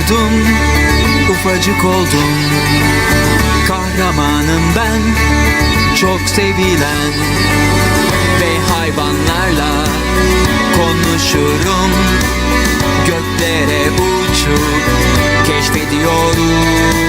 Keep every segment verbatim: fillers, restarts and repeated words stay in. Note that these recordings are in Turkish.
doğdum, ufacık oldum. Kahramanım ben, çok sevilen. Ve hayvanlarla konuşurum. Göklere uçup keşfediyorum.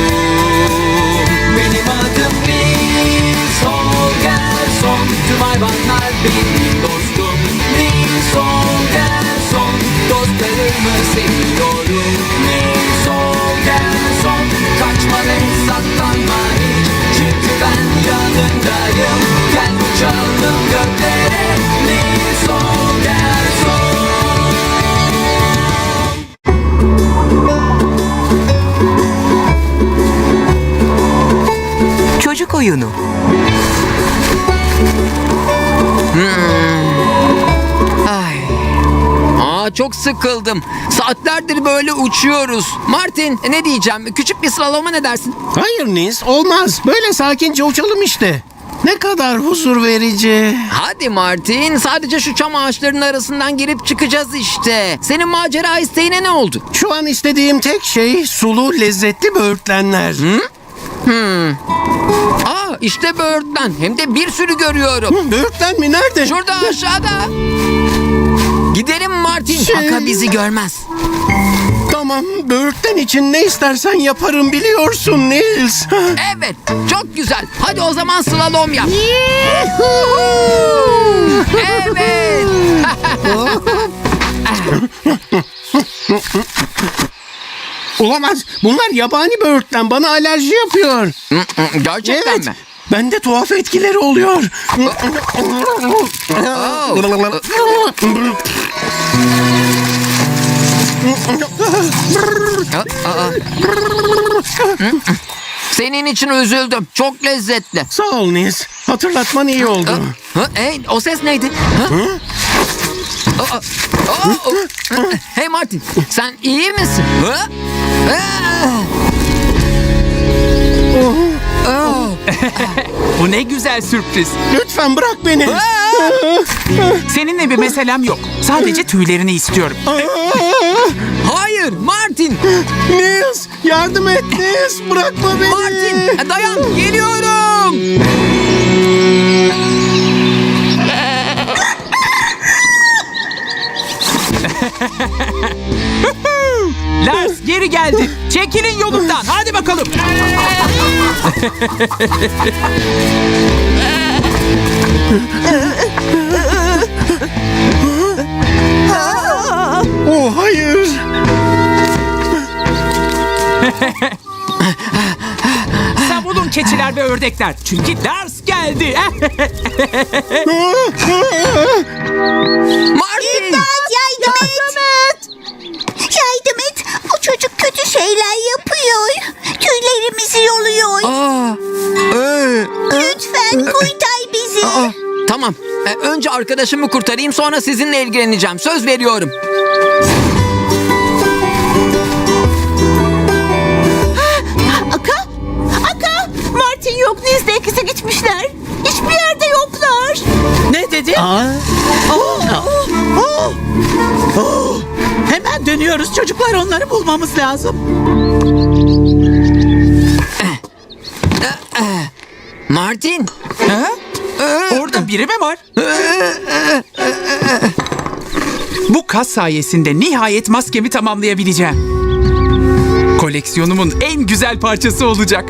Benim adım Nils Holgersson. Tüm hayvanlar benim dostum. Nils Holgersson. Dostlarımı seviyorum. Nils Holgersson. Kaçma ve saklanma hiç. Çünkü ben yanındayım. Gel uçalım göklere. Nils Holgersson. Çocuk oyunu. Hmm. Ay. Aa, çok sıkıldım. Saatlerdir böyle uçuyoruz. Martin, ne diyeceğim? Küçük bir slaloma ne dersin? Hayır Nils, olmaz. Böyle sakince uçalım işte. Ne kadar huzur verici. Hadi Martin, sadece şu çam ağaçlarının arasından girip çıkacağız işte. Senin macera isteğine ne oldu? Şu an istediğim tek şey sulu, lezzetli böğürtlenler. Hı? Hmm. Aa, işte böğürtlen. Hem de bir sürü görüyorum. Hı, böğürtlen mi? Nerede? Şurada aşağıda. Gidelim Martin. Şey- Aka bizi görmez. Tamam, böğürtlen için ne istersen yaparım biliyorsun Nils. Evet, çok güzel. Hadi o zaman slalom yap. Evet. Olamaz. Bunlar yabani böğürtlen. Bana alerji yapıyor. Gerçekten Evet. mi? Bende tuhaf etkileri oluyor. Aa. Senin için üzüldüm. Çok lezzetli. Sağ ol Nils. Hatırlatman iyi oldu. Ha, hey, o ses neydi? Ha? Aa, aa, aa. Hey Martin, sen iyi misin? Ha? Aa. Bu ne güzel sürpriz. Lütfen bırak beni. Seninle bir meselem yok. Sadece tüylerini istiyorum. Hayır Martin. Nils, yardım et Nils. Bırakma beni. Martin, dayan, geliyorum. Lars geri geldi. Çekilin yolumdan. Hadi bakalım. Oh hayır. Savunun keçiler ve ördekler. Çünkü Lars geldi. Martin. Yardım et. Yardım et. O çocuk kötü şeyler yapıyor. Tüylerimizi yoluyor. Aa, ee, Lütfen kurtar bizi. aa, tamam. Ee, önce arkadaşımı kurtarayım, sonra sizinle ilgileneceğim. Söz veriyorum. Aka? Aka? Martin yok. Niz'de ikisi gitmişler. Hiçbir yerde yoklar. Ne dedi? Hemen dönüyoruz çocuklar, onları bulmamız lazım. Martin. Ha? Orada biri mi var? Bu kas sayesinde nihayet maskemi tamamlayabileceğim. Koleksiyonumun en güzel parçası olacak.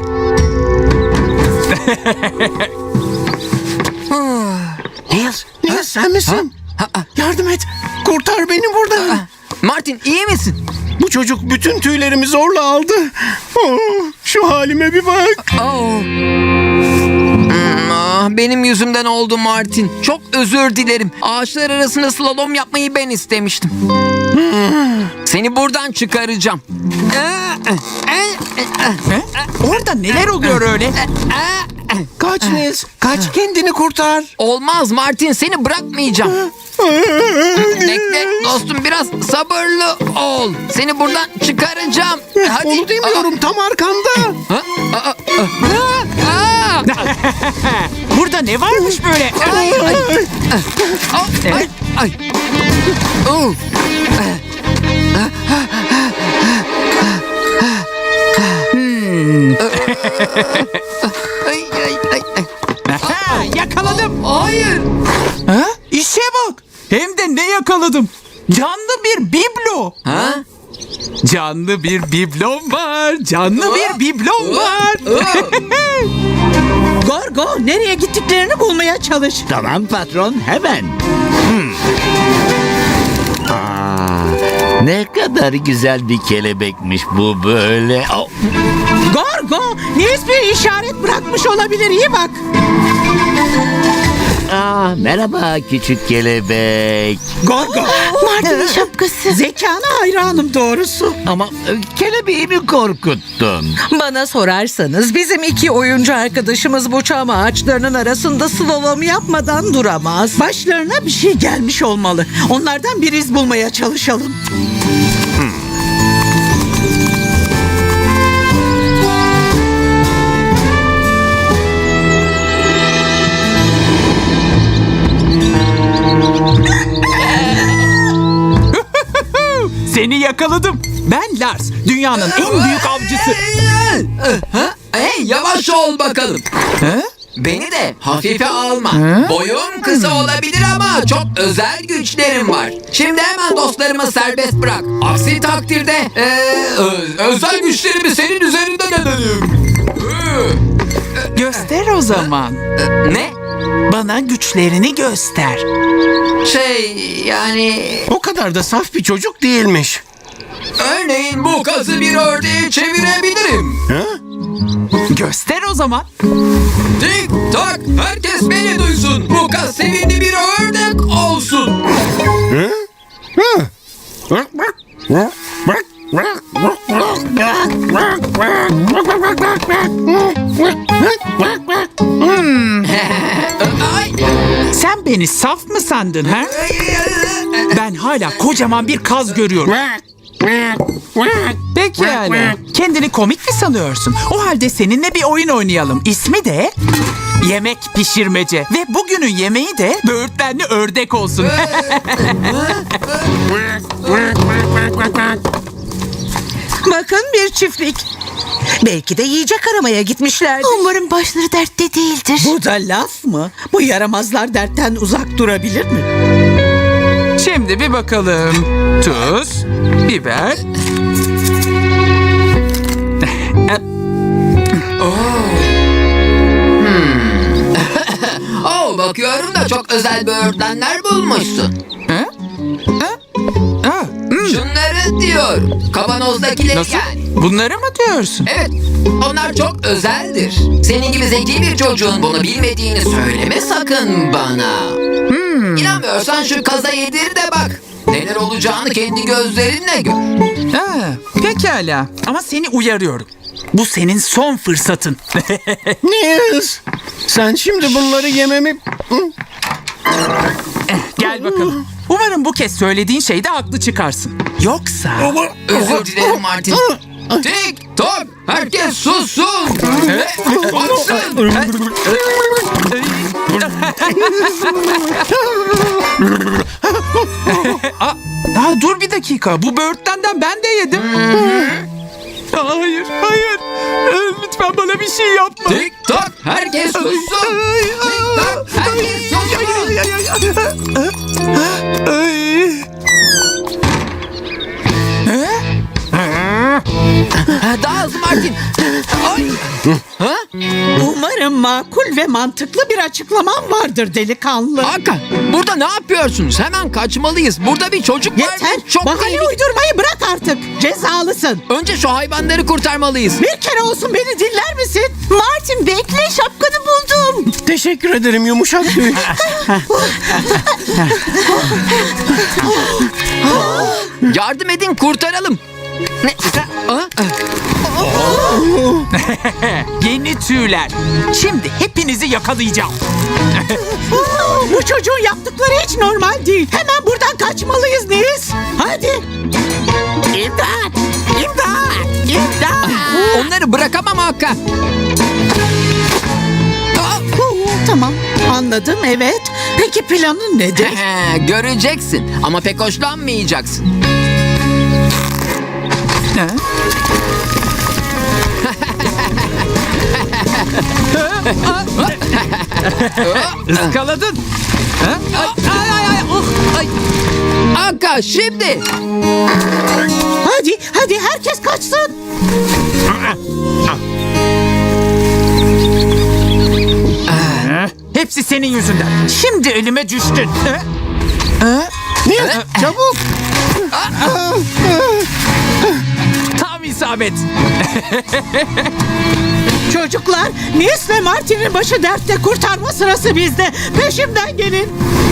Nils, Nils sen misin? Yardım et. Kurtar beni buradan. Martin, iyi misin? Bu çocuk bütün tüylerimi zorla aldı. Oh, şu halime bir bak. Oh. Hmm, ah, benim yüzümden oldu Martin. Çok özür dilerim. Ağaçlar arasında slalom yapmayı ben istemiştim. Seni buradan çıkaracağım. He? Orada neler oluyor öyle? Kaç Nils, kaç, kendini kurtar. Olmaz Martin, seni bırakmayacağım. Bekle dostum, biraz sabırlı ol. Seni buradan çıkaracağım. Hadi. Onu demiyorum, tam arkanda. Ha? Aa, aa, aa. Burada ne varmış böyle? Ay, ay, ay, ay, ay. Oh. Ay, ay, ay, ay. Aha, yakaladım. Hayır. Ha? İşe bak. Hem de ne yakaladım? Canlı bir biblo. Ha? Canlı bir biblom var. Canlı bir biblom var. Gorgo nereye gittiklerini bulmaya çalış. Tamam patron, hemen. Hmm. Aa, ne kadar güzel bir kelebekmiş bu böyle. Oh, Gorgo Nils bir işaret bırakmış olabilir, iyi bak. aa, merhaba küçük kelebek. Gorgo Martin'in şapkası. zekana hayranım doğrusu. Ama e, kelebeğimi korkuttun. Bana sorarsanız bizim iki oyuncu arkadaşımız bu çam ağaçlarının arasında slalom yapmadan duramaz. Başlarına bir şey gelmiş olmalı. Onlardan bir iz bulmaya çalışalım. Seni yakaladım. Ben Lars. Dünyanın en büyük avcısı. Ha? Hey, yavaş ol bakalım. Ha? Beni de hafife alma. Boyum kısa olabilir ama çok özel güçlerim var. Şimdi hemen dostlarımı serbest bırak. Aksi takdirde eee, ö- özel güçlerimi senin üzerinde denedim. Göster o zaman. Ne? Bana güçlerini göster. Şey yani O kadar da saf bir çocuk değilmiş. örneğin bu kazı bir ördeğe çevirebilirim. Ha? Göster o zaman. Tik tak, herkes beni duysun. Bu kaz sevimli bir ördek olsun. Ay. Sen beni saf mı sandın ha? Ben hala kocaman bir kaz görüyorum. Pekala. Kendini komik mi sanıyorsun? O halde seninle bir oyun oynayalım. İsmi de yemek pişirmece. Ve bugünün yemeği de böğürtlenli ördek olsun. Bakın bir çiftlik. Belki de yiyecek aramaya gitmişlerdir. Umarım başları dertte değildir. Bu da laf mı? Bu yaramazlar dertten uzak durabilir mi? Şimdi bir bakalım. Tuz, biber. Oh, bakıyorum da çok özel böğürtlenler bulmuşsun. Ha? Ha? Ha, hmm. Şunları diyorum. Kavanozdakileri Nasıl? yani. Bunları mı diyorsun? Evet, onlar çok özeldir. Senin gibi zeki bir çocuğun bunu bilmediğini söyleme sakın bana. Hmm. İnanmıyorsan şu kaza yedir de bak. Neler olacağını kendi gözlerinle gör. Ha, pekala. Ama seni uyarıyorum. Bu senin son fırsatın. Nils, sen şimdi bunları yememi... Gel bakalım. Umarım bu kez söylediğin şeyde haklı çıkarsın. Yoksa... Özür dilerim Martin. Tik tok, herkes sussun. Ve baksın. Aa, aa, dur bir dakika. Bu böğürtlenden ben de yedim. Hayır, hayır. Ee, Lütfen bana bir şey yapma. Tik tok, herkes sussun. Tik tok, herkes sussun. Ay. Ha, daha hızlı Martin. Ay. Umarım makul ve mantıklı bir açıklaman vardır delikanlı. Hakan, burada ne yapıyorsunuz? Hemen kaçmalıyız. Burada bir çocuk var. Yeter. ve Çok Bahane tehlikeli. uydurmayı bırak artık. Cezalısın. Önce şu hayvanları kurtarmalıyız. Bir kere olsun beni dinler misin? Martin bekle, şapkanı buldum. Teşekkür ederim yumuşak tüy. Yardım edin, kurtaralım. Ne? Aa, Yeni tüyler. Şimdi hepinizi yakalayacağım. Bu çocuğun yaptıkları hiç normal değil. Hemen buradan kaçmalıyız Nils. Hadi. İmdat! İmdat! İmdat! onları bırakamam Hakan. Aa, Tamam, anladım, evet. Peki planın nedir? Göreceksin ama pek hoşlanmayacaksın. Ha? Iskaladın. Ay ay ay. Oh, ay. Aka şimdi. Hadi hadi herkes kaçsın. Hepsi senin yüzünden. Şimdi elime düştün. Nils çabuk. Tam isabet. Çocuklar, Nils ve Martin'in başı dertte, kurtarma sırası bizde. Peşimden gelin.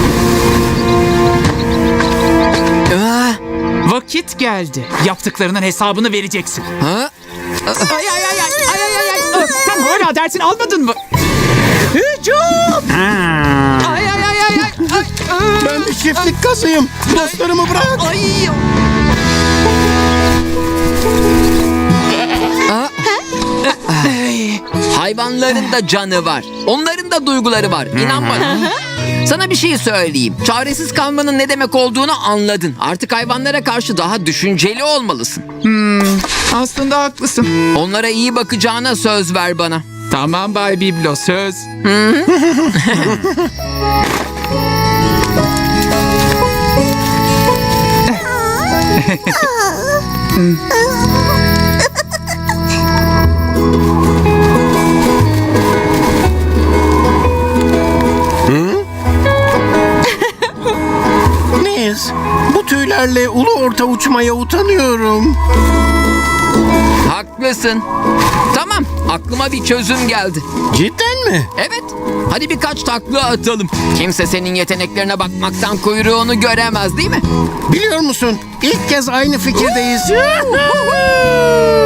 Vakit geldi. Yaptıklarının hesabını vereceksin. Ha? Ay ay ay ay ay ay ay. ay. Sen hala dersini almadın mı? Hücum! Ay ay ay ay ay. ay. Ben bir çiftlik kazıyım. Dostlarımı bırak. Ay. Hayvanların da canı var. Onların da duyguları var. İnan bana. Sana bir şey söyleyeyim. Çaresiz kalmanın ne demek olduğunu anladın. Artık hayvanlara karşı daha düşünceli olmalısın. Aslında haklısın. Onlara iyi bakacağına söz ver bana. Tamam Bay Biblo, söz. Nils, bu tüylerle ulu orta uçmaya utanıyorum. Haklısın. Tamam, aklıma bir çözüm geldi. Cidden mi? Evet, hadi birkaç takla atalım. Kimse senin yeteneklerine bakmaktan kuyruğunu göremez, değil mi? Biliyor musun? İlk kez aynı fikirdeyiz.